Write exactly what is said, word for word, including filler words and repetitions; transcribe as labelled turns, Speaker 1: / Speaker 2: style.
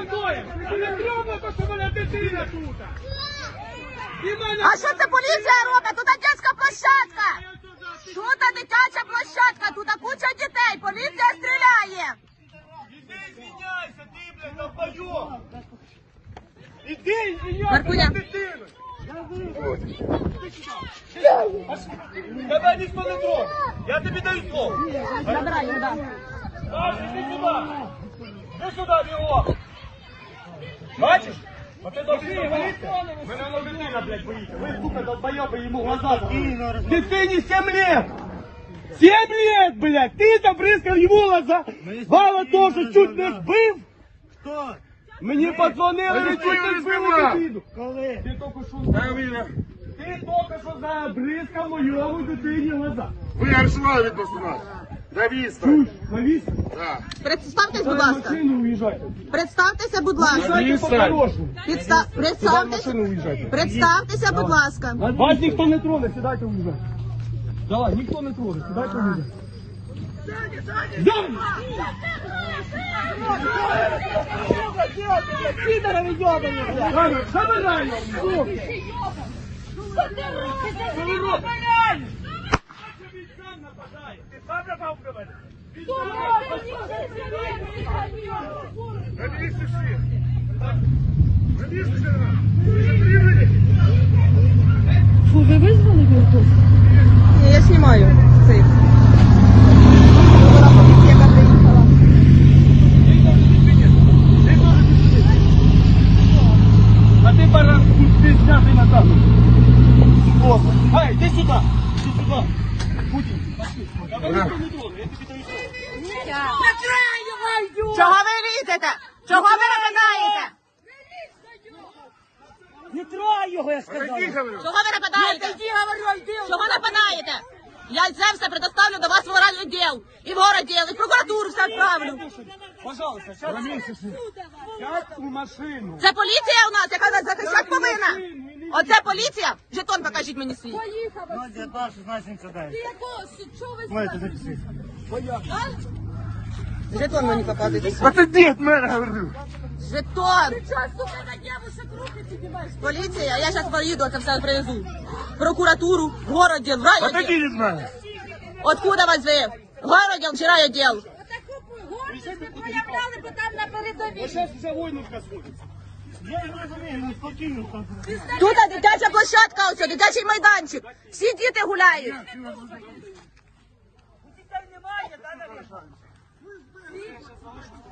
Speaker 1: А що це поліція робить? Тут дитяча площадка. Тут дитяча площадка, тут куча дітей. Поліція стріляє.
Speaker 2: Іди звиняйся, ти, блядь, долбойоб. Іди звиняйся
Speaker 1: Маркуня.
Speaker 2: на дитину. Тебе ніхто не трогає. Я тобі даю слово.
Speaker 1: Забирай його, да.
Speaker 2: Саша, іди сюди. Іди сюди, бігом. Бачиш? А ти должен боїться? Мене на дитина, блядь, боїться. Ви, сука, долбойоби, йому глаза закрили. Дитині сім лет. Сім лет, блядь. Ти там бризкав йому глаза. Вала теж чуть не збив.
Speaker 3: Хто?
Speaker 2: Мені подзвонили, я чуть не збив дитину.
Speaker 3: Коли?
Speaker 2: Ти тільки що забризкав. Ти тільки що забризкав моєму дитині глаза.
Speaker 4: Ви аршла відносно нас. Навісно.
Speaker 2: Чуєш, навіс?
Speaker 4: Так.
Speaker 1: Представтесь, будь
Speaker 2: Дай
Speaker 1: ласка.
Speaker 2: машину уїжджайте.
Speaker 1: Представтеся, будь ласка.
Speaker 2: Уїжджайте по-хорошому.
Speaker 1: Підста...
Speaker 2: Дай
Speaker 1: Представтесь...
Speaker 2: машину уїжджайте.
Speaker 1: Представтеся, будь ласка.
Speaker 2: Вас ніхто не троне, сідайте уїжджайте. Давай, ніхто не троне, сідайте уїжджайте. Зам!
Speaker 3: Підарові йобані, блядь!
Speaker 2: Ладно, забирай його! Він сам нападає. Ти сам напав на мене? Він сам нападає.
Speaker 4: Навіщо всі? Навіщо всі?
Speaker 5: Фу, ви визвали його?
Speaker 1: Ні, я знімаю цей.
Speaker 2: А ти баран, ти знятий на камеру. Ай, іди сюди, іди сюди. Путін, пошли. А ви ніхто не троне, я тобі даю слово.
Speaker 1: Чого ви лізете? Чого ви нападаєте?
Speaker 3: Не трогай його, я сказав!
Speaker 1: Чого ви нападаєте? Чого нападаєте? Я це все предоставлю до вас в моральний діл. І в городділ, і в прокуратуру все відправлю.
Speaker 2: Пожалуйста, сядь у машину.
Speaker 1: Це поліція у нас, яка нас захищати повинна. Оце поліція? Жетон покажіть мені свій.
Speaker 3: ноль дев'ятнадцять шістнадцять сімдесят дев'ять.
Speaker 5: Чого ви
Speaker 3: Маєте записати.
Speaker 1: Жетон мені показуйте.
Speaker 4: А ти дід мене говорив.
Speaker 1: Жетон.
Speaker 5: сука, на дівушек руки піднімаєш?
Speaker 1: Поліція, я зараз поїду, це все привезу. В прокуратуру, в городділ, в
Speaker 4: А ти
Speaker 1: райвідділ.
Speaker 4: від мене.
Speaker 1: Откуда вас ви? В городділ чи райвідділ?
Speaker 5: Отаку гордість ви проявляли, бо там на передовій.
Speaker 2: Зараз вже войнушка сходиться.
Speaker 3: Я не розумію, ну спокійно там.
Speaker 1: Тут дитяча площадка, ось, дитячий майданчик. Всі діти гуляють.
Speaker 3: Дітей немає, да,